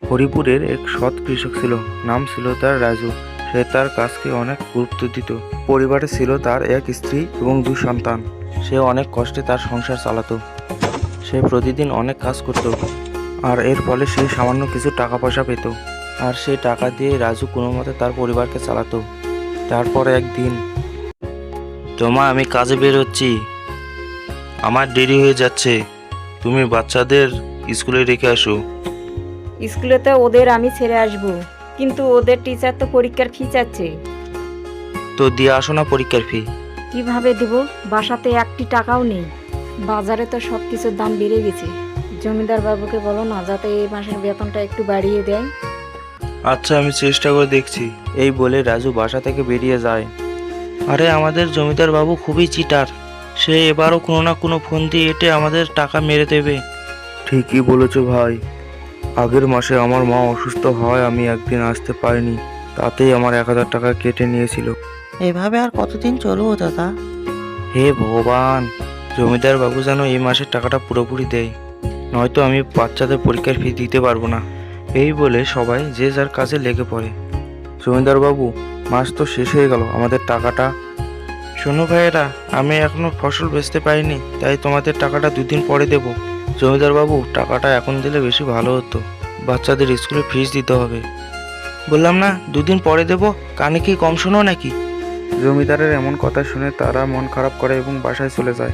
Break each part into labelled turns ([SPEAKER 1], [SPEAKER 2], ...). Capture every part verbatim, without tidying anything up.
[SPEAKER 1] হরিপুরের এক সৎ কৃষক ছিল, নাম ছিল তার রাজু। সে তার কাজকে অনেক গুরুত্ব দিত। পরিবারে ছিল তার এক স্ত্রী এবং দুই সন্তান। সে অনেক কষ্টে তার সংসার চালাতো। সে প্রতিদিন অনেক কাজ করত, আর এর ফলে সে সামান্য কিছু টাকা পয়সা পেত। আর সেই টাকা দিয়ে রাজু কোনো মতে তার পরিবারকে চালাতো। তারপর একদিন, তোমা আমি কাজে বের হচ্ছি, আমার দেরি হয়ে যাচ্ছে, তুমি বাচ্চাদের স্কুলে রেখে আসো।
[SPEAKER 2] স্কুলে তো ওদের আমি ছেড়ে আসব, কিন্তু ওদের টিচার তো পরীক্ষার ফি চাচ্ছে।
[SPEAKER 1] তো দিয়ে আসো না পরীক্ষার ফি।
[SPEAKER 2] কিভাবে দেব? বাসাতে একটি টাকাও নেই। বাজারে তো সব কিছুর দাম বেড়ে গেছে। জমিদার বাবুকে বলো না, যাতে এই মাসের বেতনটা একটু বাড়িয়ে দেয়।
[SPEAKER 1] আচ্ছা, আমি চেষ্টা করে দেখছি। এই বলে রাজু বাসা থেকে বেরিয়ে যায়। আরে আমাদের জমিদার বাবু খুবই চিটার, সে এবারও কোনো না কোনো ফন্দি এঁটে আমাদের টাকা মেরে দেবে। ঠিকই বলেছো ভাই, আগের মাসে আমার মা অসুস্থ হয়, আমি একদিন আসতে পারিনি, তাতেই আমার এক হাজার টাকা কেটে নিয়েছিল।
[SPEAKER 3] এভাবে আর কতদিন চলবো দাদা?
[SPEAKER 1] হে ভগবান, জমিদার বাবু যেন এই মাসের টাকাটা পুরোপুরি দেয়, নয়তো আমি বাচ্চাদের পরীক্ষার ফি দিতে পারবো না। এই বলে সবাই যে যার কাজে লেগে পড়ে। জমিদার বাবু, মাস তো শেষ হয়ে গেল, আমাদের টাকাটা। শোনো ভাইয়েরা, আমি এখনো ফসল বেচতে পারিনি, তাই তোমাদের টাকাটা দুদিন পরে দেব। জমিদার বাবু, টাকাটা এখন দিলে বেশি ভালো হতো, বাচ্চাদের স্কুলে ফিস দিতে হবে। বললাম না দুদিন পরে দেব, কানে কি কম শোনো নাকি? জমিদারের এমন কথা শুনে তারা মন খারাপ করে এবং বাসায় চলে যায়।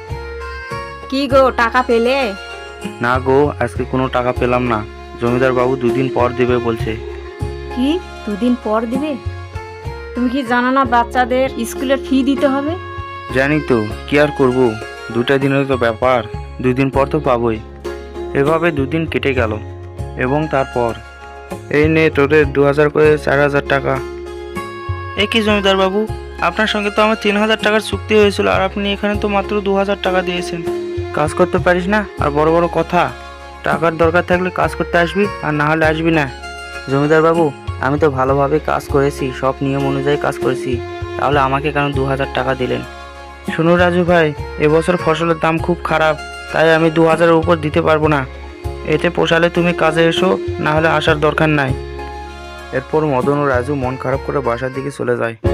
[SPEAKER 2] কি গো, টাকা পেলে?
[SPEAKER 1] না গো, আজকে কোনো টাকা পেলাম না, জমিদার বাবু দুদিন পর দেবে বলছে।
[SPEAKER 2] কি দুদিন পর দিবে? তুমি কি জানো না বাচ্চাদের স্কুলের ফি দিতে হবে?
[SPEAKER 1] জানি তো, কি আর করবো, দুটা দিনের তো ব্যাপার, দুদিন পর তো পাবোই। এভাবে দুদিন কেটে গেল এবং তারপর, এই নে তোদের দু হাজার করে চার হাজার টাকা। এ কি জমিদার বাবু, আপনার সঙ্গে তো আমার তিন হাজার টাকার চুক্তি হয়েছিল, আর আপনি এখানে তো মাত্র দু হাজার টাকা দিয়েছেন। কাজ করতে পারিস না আর বড় বড় কথা। টাকার দরকার থাকলে কাজ করতে আসবি, আর না হলে আসবি না। জমিদার বাবু, আমি তো ভালোভাবে কাজ করেছি, সব নিয়ম অনুযায়ী কাজ করেছি, তাহলে আমাকে কেন দু হাজার টাকা দিলেন? শুনো রাজু ভাই, এবছর ফসলের দাম খুব খারাপ, তাই আমি দু হাজারের উপর দিতে পারবো না। এতে পোষালে তুমি কাজে এসো, না হলে আসার দরকার নাই। এরপর মদন ও রাজু মন খারাপ করে বাসার দিকে চলে যায়।